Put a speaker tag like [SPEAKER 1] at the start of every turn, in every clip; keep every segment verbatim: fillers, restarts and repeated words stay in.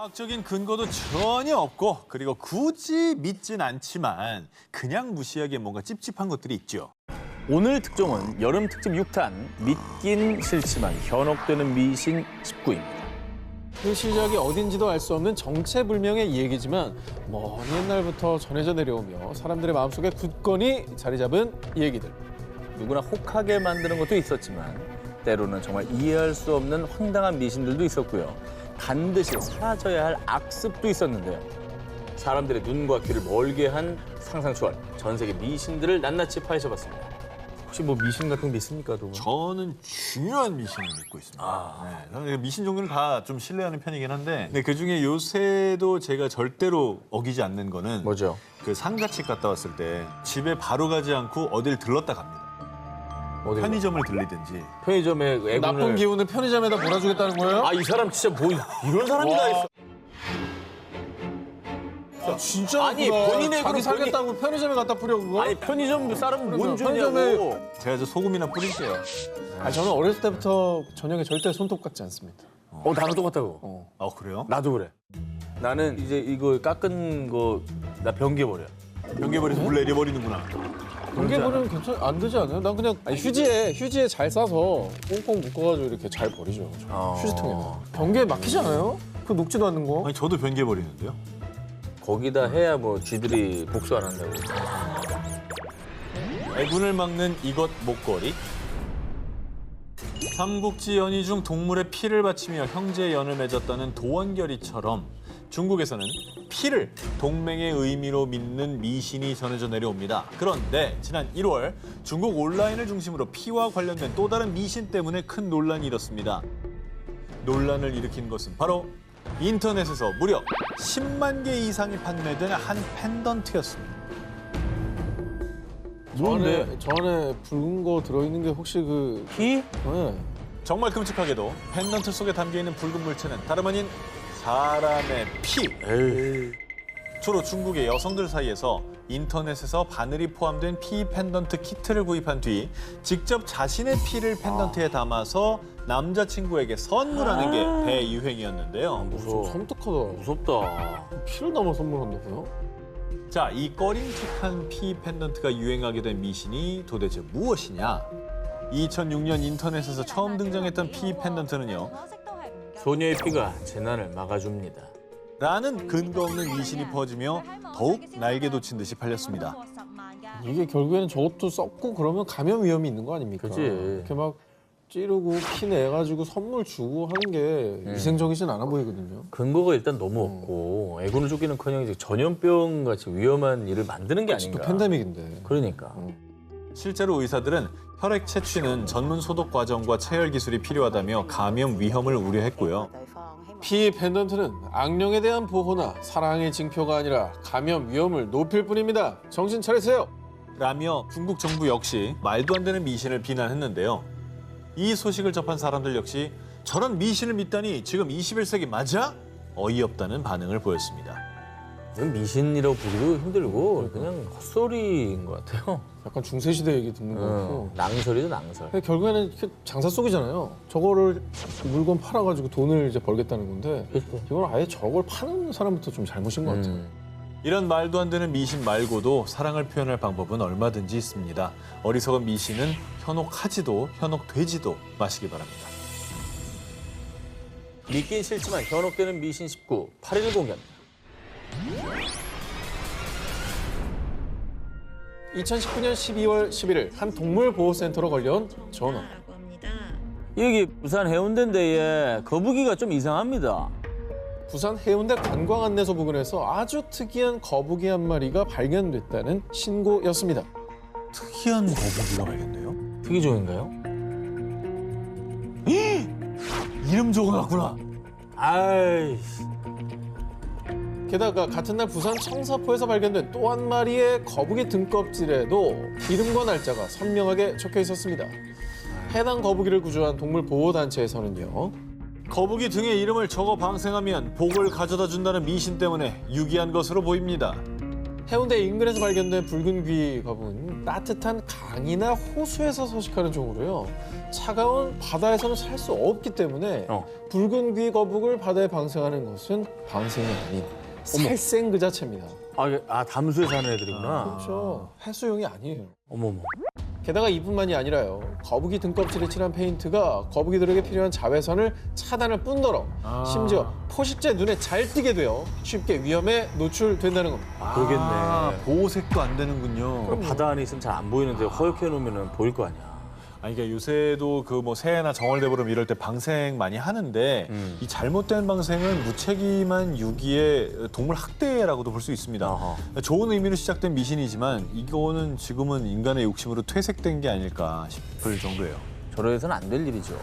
[SPEAKER 1] 과학적인 근거도 전혀 없고 그리고 굳이 믿진 않지만 그냥 무시하기에 뭔가 찝찝한 것들이 있죠.
[SPEAKER 2] 오늘 특종은 여름 특집 육 탄 믿긴 싫지만 현혹되는 미신 십구입니다.
[SPEAKER 3] 그 시작이 어딘지도 알 수 없는 정체불명의 얘기지만 먼 옛날부터 전해져 내려오며 사람들의 마음속에 굳건히 자리 잡은 얘기들.
[SPEAKER 2] 누구나 혹하게 만드는 것도 있었지만 때로는 정말 이해할 수 없는 황당한 미신들도 있었고요. 반드시 사라져야 할 악습도 있었는데요. 사람들의 눈과 귀를 멀게 한 상상 초월, 전 세계 미신들을 낱낱이 파헤쳐봤습니다. 혹시 뭐 미신 같은 게 있습니까, 두 분?
[SPEAKER 1] 저는 중요한 미신을 믿고 있습니다.
[SPEAKER 2] 아.
[SPEAKER 1] 네, 저는 미신 종류는 다 좀 신뢰하는 편이긴 한데 근데 그중에 요새도 제가 절대로 어기지 않는 거는
[SPEAKER 2] 뭐죠?
[SPEAKER 1] 그 상가집 갔다 왔을 때 집에 바로 가지 않고 어딜 들렀다 갑니다.
[SPEAKER 2] 어디
[SPEAKER 1] 편의점을 들리든지.
[SPEAKER 2] 편의점에 애군을...
[SPEAKER 3] 나쁜 기운을 편의점에다 몰아주겠다는 거예요?
[SPEAKER 2] 아, 이 사람 진짜 뭐 이런 사람이 다 있어.
[SPEAKER 3] 아, 진짜
[SPEAKER 2] 아니,
[SPEAKER 3] 그거.
[SPEAKER 2] 본인의
[SPEAKER 3] 자기
[SPEAKER 2] 그런
[SPEAKER 3] 살겠다고 편의점에 갖다 뿌려 그거?
[SPEAKER 2] 아니, 편의점 사람은 뭔
[SPEAKER 3] 편의점에-
[SPEAKER 2] 죄냐고.
[SPEAKER 1] 제가 저 소금이나 뿌릴게요.
[SPEAKER 3] 아니, 저는 어렸을 때부터 저녁에 절대 손톱 깎지 않습니다.
[SPEAKER 2] 어, 나랑 똑같다고.
[SPEAKER 3] 어.
[SPEAKER 1] 아 그래요?
[SPEAKER 2] 나도 그래. 나는 이제 이거 깎은 거 나 변개버려.
[SPEAKER 1] 변개버려서 물 내려버리는구나.
[SPEAKER 3] 공개버리면 괜찮 안 되지 않아요? 난 그냥 아니, 휴지에 휴지에 잘 싸서 꽁꽁 묶어가지고 이렇게 잘 버리죠.
[SPEAKER 2] 어.
[SPEAKER 3] 휴지통에는. 변기에 막히지 않아요? 그 녹지도 않는 거.
[SPEAKER 1] 아니 저도 변개버리는데요.
[SPEAKER 2] 거기다 해야 뭐 쥐들이 복수 안 한다고.
[SPEAKER 1] 애군을 막는 이것 목걸이. 삼국지 연희 중 동물의 피를 바치며 형제 연을 맺었다는 도원결이처럼 중국에서는 피를 동맹의 의미로 믿는 미신이 전해져 내려옵니다. 그런데 지난 일월 중국 온라인을 중심으로 피와 관련된 또 다른 미신 때문에 큰 논란이 일었습니다. 논란을 일으킨 것은 바로 인터넷에서 무려 십만 개 이상이 판매된 한 펜던트였습니다.
[SPEAKER 3] 저 안에, 저 안에 붉은 거 들어있는 게 혹시 그...
[SPEAKER 2] 피?
[SPEAKER 3] 네.
[SPEAKER 1] 정말 끔찍하게도 펜던트 속에 담겨있는 붉은 물체는 다름 아닌 사람의 피.
[SPEAKER 2] 에이.
[SPEAKER 1] 주로 중국의 여성들 사이에서 인터넷에서 바늘이 포함된 피 펜던트 키트를 구입한 뒤 직접 자신의 피를 펜던트에 담아서 남자친구에게 선물하는 게 대유행이었는데요.
[SPEAKER 2] 무서워.
[SPEAKER 3] 좀 섬뜩하다.
[SPEAKER 2] 무섭다.
[SPEAKER 3] 피를 담아 선물한다고요?
[SPEAKER 1] 자, 이 꺼림칙한 피 펜던트가 유행하게 된 미신이 도대체 무엇이냐? 이천육 년 인터넷에서 처음 등장했던 피 펜던트는요.
[SPEAKER 2] 소녀의 피가 재난을 막아줍니다.
[SPEAKER 1] 라는 근거 없는 미신이 퍼지며 더욱 날개 돋친 듯이 팔렸습니다.
[SPEAKER 3] 이게 결국에는 저것도 썩고 그러면 감염 위험이 있는 거 아닙니까?
[SPEAKER 2] 그치.
[SPEAKER 3] 이렇게 막 찌르고 피 내가지고 선물 주고 하는 게 위생적이진 않아 보이거든요.
[SPEAKER 2] 근거가 일단 너무 없고 애군을 쫓기는커녕 이제 전염병 같이 위험한 일을 만드는 게
[SPEAKER 3] 또
[SPEAKER 2] 아닌가.
[SPEAKER 3] 팬데믹인데.
[SPEAKER 2] 그러니까.
[SPEAKER 1] 실제로 의사들은 혈액 채취는 전문 소독 과정과 체열 기술이 필요하다며 감염 위험을 우려했고요.
[SPEAKER 3] 피 펜던트는 악령에 대한 보호나 사랑의 징표가 아니라 감염 위험을 높일 뿐입니다. 정신 차리세요.
[SPEAKER 1] 라며 중국 정부 역시 말도 안 되는 미신을 비난했는데요. 이 소식을 접한 사람들 역시 저런 미신을 믿다니 지금 이십일 세기 맞아? 어이없다는 반응을 보였습니다.
[SPEAKER 2] 이건 미신이라고 보기도 힘들고 그냥 헛소리인 것 같아요.
[SPEAKER 3] 약간 중세시대 얘기 듣는 거 같고.
[SPEAKER 2] 어, 낭설이죠, 낭설.
[SPEAKER 3] 근데 결국에는 이렇게 장사 속이잖아요. 저거를 물건 팔아가지고 돈을 이제 벌겠다는 건데 이걸 아예 저걸 파는 사람부터 좀 잘못인 것 같아요.
[SPEAKER 2] 음.
[SPEAKER 1] 이런 말도 안 되는 미신 말고도 사랑을 표현할 방법은 얼마든지 있습니다. 어리석은 미신은 현혹하지도 현혹되지도 마시기 바랍니다.
[SPEAKER 2] 믿긴 싫지만 현혹되는 미신 십구, 팔 일 공개합니다.
[SPEAKER 3] 이천십구 년 십이월 십일일 한 동물보호센터로 걸려온 전화.
[SPEAKER 2] 여기 부산 해운대인데 거북이가 좀 이상합니다.
[SPEAKER 3] 부산 해운대 관광안내소 부근에서 아주 특이한 거북이 한 마리가 발견됐다는 신고였습니다.
[SPEAKER 1] 특이한 거북이가 발견돼요?
[SPEAKER 2] 특이종인가요?
[SPEAKER 1] 이름 적어놨구나.
[SPEAKER 2] 아이씨.
[SPEAKER 3] 게다가 같은 날 부산 청사포에서 발견된 또 한 마리의 거북이 등껍질에도 이름과 날짜가 선명하게 적혀 있었습니다. 해당 거북이를 구조한 동물보호단체에서는요.
[SPEAKER 1] 거북이 등에 이름을 적어 방생하면 복을 가져다 준다는 미신 때문에 유기한 것으로 보입니다.
[SPEAKER 3] 해운대 인근에서 발견된 붉은 귀 거북은 따뜻한 강이나 호수에서 서식하는 종으로요. 차가운 바다에서는 살 수 없기 때문에
[SPEAKER 2] 어.
[SPEAKER 3] 붉은 귀 거북을 바다에 방생하는 것은 방생이 아닌 살생 그 자체입니다.
[SPEAKER 2] 아, 이게- 아 담수에 사는 애들이구나.
[SPEAKER 3] 그렇죠. 해수용이 아니에요.
[SPEAKER 2] 어머머.
[SPEAKER 3] 게다가 이뿐만이 아니라요. 거북이 등껍질에 칠한 페인트가 거북이들에게 필요한 자외선을 차단할 뿐더러
[SPEAKER 1] 아.
[SPEAKER 3] 심지어 포식자 눈에 잘 띄게 되어 쉽게 위험에 노출된다는 겁니다.
[SPEAKER 2] 그러겠네.
[SPEAKER 1] 아, 보호색도 안 되는군요.
[SPEAKER 2] 그럼 바다 안에 있으면 잘 안 보이는데 허옇게 해놓으면 보일 거 아니야.
[SPEAKER 1] 아니, 그러니까 요새도 그 뭐 새해나 정월대보름 이럴 때 방생 많이 하는데
[SPEAKER 2] 음.
[SPEAKER 1] 이 잘못된 방생은 무책임한 유기의 동물 학대라고도 볼 수 있습니다.
[SPEAKER 2] 어허.
[SPEAKER 1] 좋은 의미로 시작된 미신이지만 이거는 지금은 인간의 욕심으로 퇴색된 게 아닐까 싶을 정도예요.
[SPEAKER 2] 저러해서는 안 될 일이죠.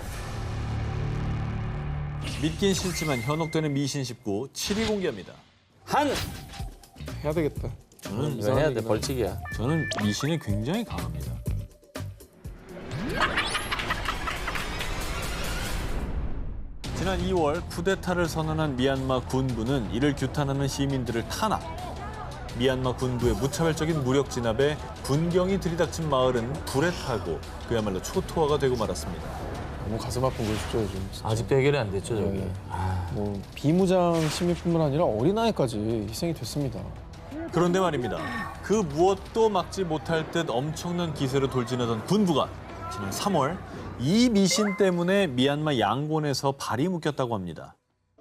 [SPEAKER 1] 믿긴 싫지만 현혹되는 미신 십구 칠 위 공개합니다.
[SPEAKER 2] 한!
[SPEAKER 3] 해야 되겠다.
[SPEAKER 1] 저는
[SPEAKER 2] 이거 해야 돼, 벌칙이야.
[SPEAKER 1] 저는 미신이 굉장히 강합니다. 지난 이월 쿠데타를 선언한 미얀마 군부는 이를 규탄하는 시민들을 탄압. 미얀마 군부의 무차별적인 무력 진압에 군경이 들이닥친 마을은 불에 타고 그야말로 초토화가 되고 말았습니다.
[SPEAKER 3] 너무 가슴 아픈 것이죠, 요즘. 진짜.
[SPEAKER 2] 아직도 해결이 안 됐죠, 저기.
[SPEAKER 3] 네. 뭐 비무장 시민뿐만 아니라 어린아이까지 희생이 됐습니다.
[SPEAKER 1] 그런데 말입니다. 그 무엇도 막지 못할 듯 엄청난 기세로 돌진하던 군부가 지난 삼월 이 미신 때문에 미얀마 양곤에서 발이 묶였다고 합니다.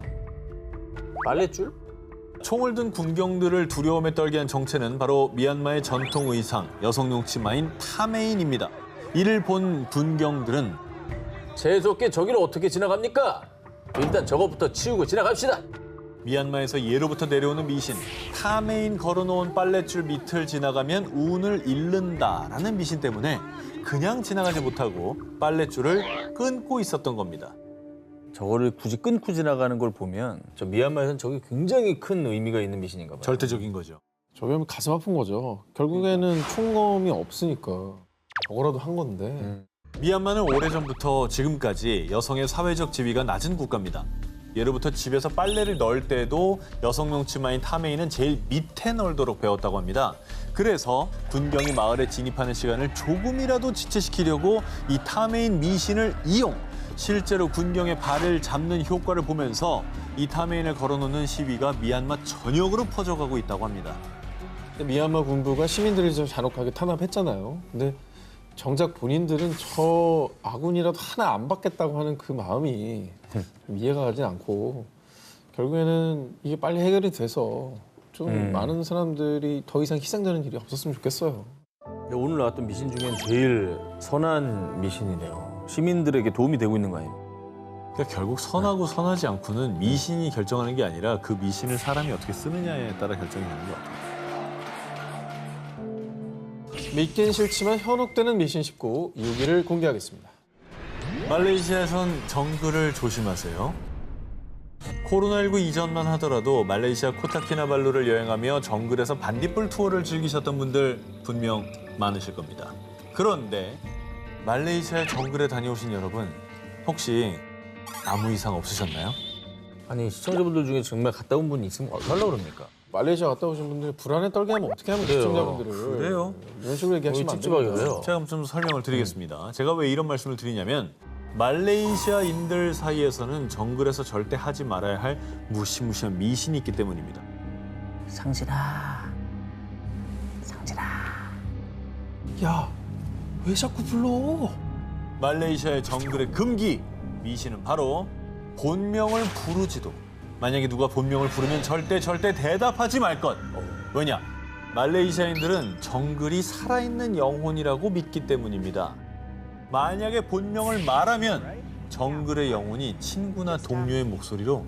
[SPEAKER 2] 빨랫줄?
[SPEAKER 1] 총을 든 군경들을 두려움에 떨게 한 정체는 바로 미얀마의 전통 의상, 여성용 치마인 타메인입니다. 이를 본 군경들은
[SPEAKER 2] 재수없게 저기를 어떻게 지나갑니까? 일단 저것부터 치우고 지나갑시다.
[SPEAKER 1] 미얀마에서 예로부터 내려오는 미신, 타메인 걸어놓은 빨랫줄 밑을 지나가면 운을 잃는다라는 미신 때문에 그냥 지나가지 못하고 빨랫줄을 끊고 있었던 겁니다.
[SPEAKER 2] 저거를 굳이 끊고 지나가는 걸 보면 저 미얀마에서는 저게 굉장히 큰 의미가 있는 미신인가 봐요.
[SPEAKER 1] 절대적인 거죠.
[SPEAKER 3] 저게 가슴 아픈 거죠. 결국에는 총검이 없으니까 저거라도 한 건데.
[SPEAKER 2] 음.
[SPEAKER 1] 미얀마는 오래전부터 지금까지 여성의 사회적 지위가 낮은 국가입니다. 예로부터 집에서 빨래를 넣을 때도 여성용 치마인 타메인은 제일 밑에 널도록 배웠다고 합니다. 그래서 군경이 마을에 진입하는 시간을 조금이라도 지체시키려고 이 타메인 미신을 이용, 실제로 군경의 발을 잡는 효과를 보면서 이 타메인을 걸어놓는 시위가 미얀마 전역으로 퍼져가고 있다고 합니다.
[SPEAKER 3] 근데 미얀마 군부가 시민들을 좀 잔혹하게 탄압했잖아요. 근데 정작 본인들은 저 아군이라도 하나 안 받겠다고 하는 그 마음이 좀 이해가 가진 않고 결국에는 이게 빨리 해결이 돼서 좀
[SPEAKER 2] 음.
[SPEAKER 3] 많은 사람들이 더 이상 희생되는 일이 없었으면 좋겠어요.
[SPEAKER 2] 오늘 나왔던 미신 중엔 제일 선한 미신이네요. 시민들에게 도움이 되고 있는 거 아니에요?
[SPEAKER 1] 그러니까 결국 선하고 선하지 않고는 미신이 결정하는 게 아니라 그 미신을 사람이 어떻게 쓰느냐에 따라 결정이 되는 것 같아요.
[SPEAKER 3] 믿긴 싫지만 현혹되는 미신 십구 육 위를 공개하겠습니다.
[SPEAKER 1] 말레이시아에선 정글을 조심하세요. 코로나십구 이전만 하더라도 말레이시아 코타키나발루를 여행하며 정글에서 반딧불 투어를 즐기셨던 분들 분명 많으실 겁니다. 그런데 말레이시아 정글에 다녀오신 여러분 혹시 아무 이상 없으셨나요?
[SPEAKER 2] 아니 시청자분들 중에 정말 갔다 온 분이 있으면 어떡하려고 그럽니까?
[SPEAKER 3] 말레이시아 갔다 오신 분들 불안에 떨게 하면 어떻게 하면
[SPEAKER 2] 그래요.
[SPEAKER 3] 시청자분들을
[SPEAKER 1] 그래요?
[SPEAKER 3] 이런 식으로 얘기하시면 안
[SPEAKER 2] 찝찝하게
[SPEAKER 3] 됩니다.
[SPEAKER 2] 그래요.
[SPEAKER 1] 제가 좀 설명을 드리겠습니다. 제가 왜 이런 말씀을 드리냐면 말레이시아인들 사이에서는 정글에서 절대 하지 말아야 할 무시무시한 미신이 있기 때문입니다.
[SPEAKER 2] 상진아, 상진아.
[SPEAKER 3] 야, 왜 자꾸 불러?
[SPEAKER 1] 말레이시아의 정글의 금기 미신은 바로 본명을 부르지도 만약에 누가 본명을 부르면 절대 절대 대답하지 말 것. 왜냐? 말레이시아인들은 정글이 살아있는 영혼이라고 믿기 때문입니다. 만약에 본명을 말하면 정글의 영혼이 친구나 동료의 목소리로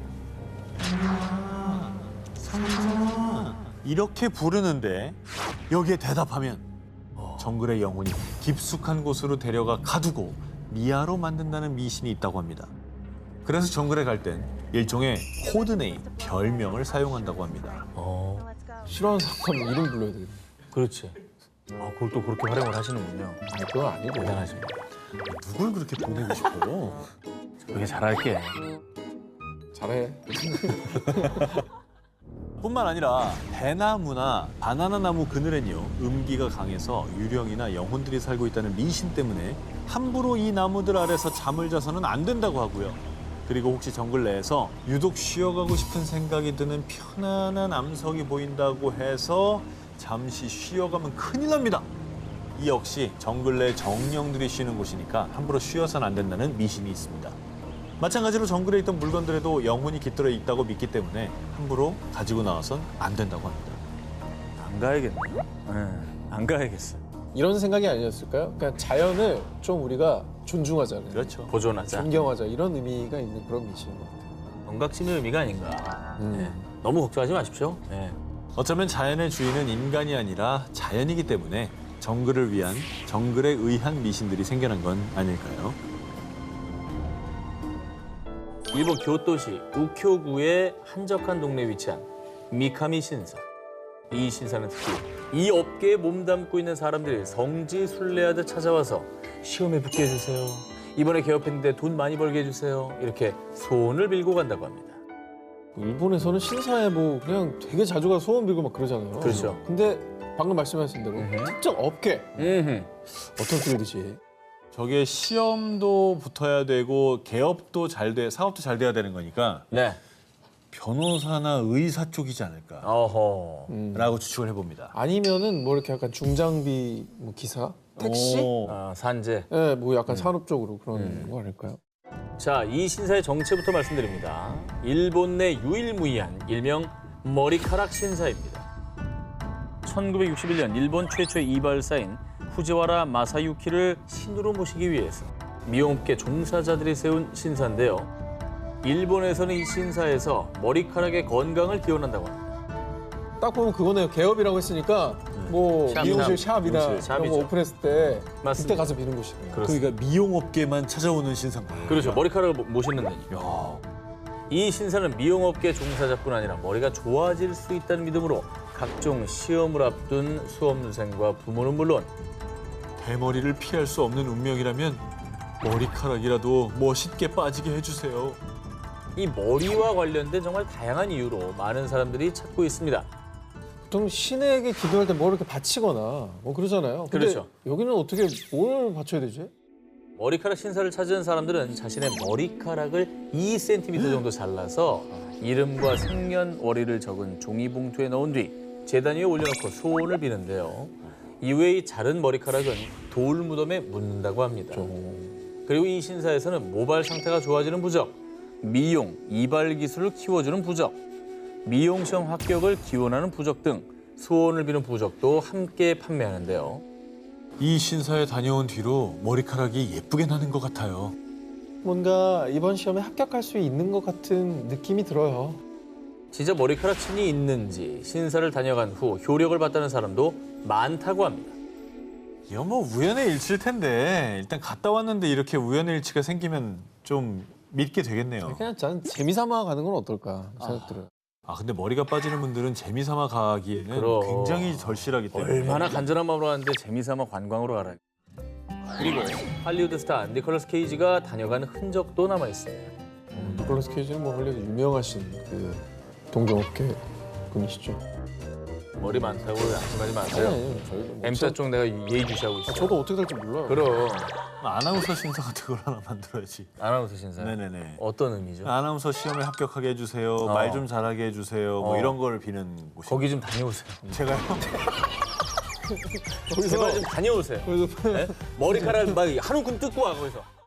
[SPEAKER 1] 상진아 이렇게 부르는데 여기에 대답하면 정글의 영혼이 깊숙한 곳으로 데려가 가두고 미아로 만든다는 미신이 있다고 합니다. 그래서 정글에 갈 땐 일종의 코드네임, 별명을 사용한다고 합니다.
[SPEAKER 2] 어,
[SPEAKER 3] 싫어하는 사람 이름 불러야 되겠네.
[SPEAKER 2] 그렇지. 아, 그걸 또 그렇게 활용을 하시는군요.
[SPEAKER 3] 아니, 그건 아니고.
[SPEAKER 2] 대단하십니다.
[SPEAKER 1] 누굴 그렇게 보내고 싶어요?
[SPEAKER 2] 그렇게 잘할게.
[SPEAKER 3] 잘해.
[SPEAKER 1] 뿐만 아니라 대나무나 바나나 나무 그늘엔요 음기가 강해서 유령이나 영혼들이 살고 있다는 미신 때문에 함부로 이 나무들 아래서 잠을 자서는 안 된다고 하고요. 그리고 혹시 정글 내에서 유독 쉬어가고 싶은 생각이 드는 편안한 암석이 보인다고 해서 잠시 쉬어가면 큰일 납니다. 이 역시 정글 내 정령들이 쉬는 곳이니까 함부로 쉬어서는 안 된다는 미신이 있습니다. 마찬가지로 정글에 있던 물건들에도 영혼이 깃들어 있다고 믿기 때문에 함부로 가지고 나와선 안 된다고 합니다.
[SPEAKER 2] 안 가야겠네. 네, 안 가야겠어.
[SPEAKER 3] 이런 생각이 아니었을까요? 그러니까 자연을 좀 우리가 존중하자는,
[SPEAKER 1] 그렇죠.
[SPEAKER 2] 보존하자.
[SPEAKER 3] 존경하자 이런 의미가 있는 그런 미신인 것 같아요.
[SPEAKER 2] 경각심의 의미가 아닌가.
[SPEAKER 3] 음.
[SPEAKER 2] 네. 너무 걱정하지 마십시오. 네.
[SPEAKER 1] 어쩌면 자연의 주인은 인간이 아니라 자연이기 때문에 정글을 위한 정글에 의한 미신들이 생겨난 건 아닐까요?
[SPEAKER 2] 일본 교토시 우쿄구의 한적한 동네에 위치한 미카미 신사. 이 신사는 특히 이 업계에 몸담고 있는 사람들이 성지 순례하듯 찾아와서 시험에 붙게 해주세요. 이번에 개업했는데 돈 많이 벌게 해주세요. 이렇게 소원을 빌고 간다고 합니다.
[SPEAKER 3] 일본에서는 신사에 뭐 그냥 되게 자주 가서 소원 빌고 막 그러잖아요.
[SPEAKER 2] 그렇죠.
[SPEAKER 3] 근데 방금 말씀하신 대로
[SPEAKER 2] 음흠.
[SPEAKER 3] 특정 업계
[SPEAKER 2] 음흠.
[SPEAKER 3] 어떻게 되지?
[SPEAKER 1] 저게 시험도 붙어야 되고 개업도 잘 돼, 사업도 잘 돼야 되는 거니까
[SPEAKER 2] 네.
[SPEAKER 1] 변호사나 의사 쪽이지 않을까라고
[SPEAKER 2] 어허.
[SPEAKER 3] 음.
[SPEAKER 1] 추측을 해봅니다.
[SPEAKER 3] 아니면은 뭐 이렇게 약간 중장비 뭐 기사, 택시,
[SPEAKER 1] 오.
[SPEAKER 2] 아, 산재.
[SPEAKER 3] 예, 뭐 약간 산업 쪽으로 그런 거 아닐까요?
[SPEAKER 2] 자, 이 신사의 정체부터 말씀드립니다. 일본 내 유일무이한 일명 머리카락 신사입니다. 천구백육십일 년 일본 최초의 이발사인 후지와라 마사유키를 신으로 모시기 위해서 미용업계 종사자들이 세운 신사인데요. 일본에서는 이 신사에서 머리카락의 건강을 기원한다고 합니다.
[SPEAKER 3] 딱 보면 그거네요. 개업이라고 했으니까 뭐
[SPEAKER 2] 샵,
[SPEAKER 3] 미용실
[SPEAKER 2] 샵.
[SPEAKER 3] 샵이나
[SPEAKER 2] 미용실
[SPEAKER 3] 이런
[SPEAKER 2] 샵이죠.
[SPEAKER 3] 거 오픈했을 때
[SPEAKER 2] 맞습니다.
[SPEAKER 3] 그때 가서 비는 곳이네요.
[SPEAKER 2] 그렇습니다.
[SPEAKER 1] 그러니까 미용업계만 찾아오는 신상 거예요.
[SPEAKER 2] 그렇죠. 머리카락을 모- 모시는 데니까.
[SPEAKER 1] 야,
[SPEAKER 2] 이 신사는 미용업계 종사자뿐 아니라 머리가 좋아질 수 있다는 믿음으로 각종 시험을 앞둔 수험생과 부모는 물론
[SPEAKER 1] 대머리를 피할 수 없는 운명이라면 머리카락이라도 멋있게 빠지게 해주세요.
[SPEAKER 2] 이 머리와 관련된 정말 다양한 이유로 많은 사람들이 찾고 있습니다.
[SPEAKER 3] 보통 신에게 기도할 때 뭐 이렇게 바치거나 뭐 그러잖아요. 근데
[SPEAKER 2] 그렇죠.
[SPEAKER 3] 여기는 어떻게 뭘 바쳐야 되지?
[SPEAKER 2] 머리카락 신사를 찾은 사람들은 자신의 머리카락을 이 센티미터 정도 잘라서 이름과 생년월일을 적은 종이봉투에 넣은 뒤 제단 위에 올려놓고 소원을 비는데요. 이후에 이 자른 머리카락은 돌무덤에 묻는다고 합니다. 그리고 이 신사에서는 모발 상태가 좋아지는 부적, 미용, 이발 기술을 키워주는 부적, 미용 시험 합격을 기원하는 부적 등 소원을 비는 부적도 함께 판매하는데요.
[SPEAKER 1] 이 신사에 다녀온 뒤로 머리카락이 예쁘게 나는 것 같아요.
[SPEAKER 3] 뭔가 이번 시험에 합격할 수 있는 것 같은 느낌이 들어요.
[SPEAKER 2] 진짜 머리카락 신이 있는지 신사를 다녀간 후 효력을 받다는 사람도 많다고 합니다.
[SPEAKER 1] 이거 뭐 우연의 일치일 텐데 일단 갔다 왔는데 이렇게 우연의 일치가 생기면 좀 믿게 되겠네요.
[SPEAKER 3] 그냥 저는 재미삼아 가는 건 어떨까 생각 들어요.
[SPEAKER 1] 아 근데 머리가 빠지는 분들은 재미삼아 가기에는
[SPEAKER 2] 그럼.
[SPEAKER 1] 굉장히 절실하기 때문에
[SPEAKER 2] 얼마나 간절한 마음으로 하는데 재미삼아 관광으로 가라. 그리고 할리우드 스타 니콜라스 케이지가 다녀간 흔적도 남아 있습니다.
[SPEAKER 3] 어, 니콜라스 케이지는 뭐 원래 유명하신 그 동종업계 분이시죠.
[SPEAKER 2] 머리 많다고 안심하지 마세요.
[SPEAKER 3] 아니, 저희도 뭐
[SPEAKER 2] M자 쪽 내가 예의주시하고
[SPEAKER 3] 저-
[SPEAKER 2] 있어요.
[SPEAKER 3] 저도 어떻게 될지 몰라요.
[SPEAKER 2] 그럼
[SPEAKER 1] 아나운서 신사 같은 걸 하나 만들어야지.
[SPEAKER 2] 아나운서 신사.
[SPEAKER 1] 네네네.
[SPEAKER 2] 어떤 의미죠?
[SPEAKER 1] 아나운서 시험에 합격하게 해주세요.
[SPEAKER 2] 어.
[SPEAKER 1] 말 좀 잘하게 해주세요. 뭐
[SPEAKER 2] 어.
[SPEAKER 1] 이런 걸 비는 곳이.
[SPEAKER 2] 거기 좀 다녀오세요.
[SPEAKER 1] 제가요?
[SPEAKER 3] 거기서
[SPEAKER 2] 제발 좀 다녀오세요.
[SPEAKER 3] 거기서
[SPEAKER 2] 네? 머리카락 막 한 움큼 뜯고 와 거기서.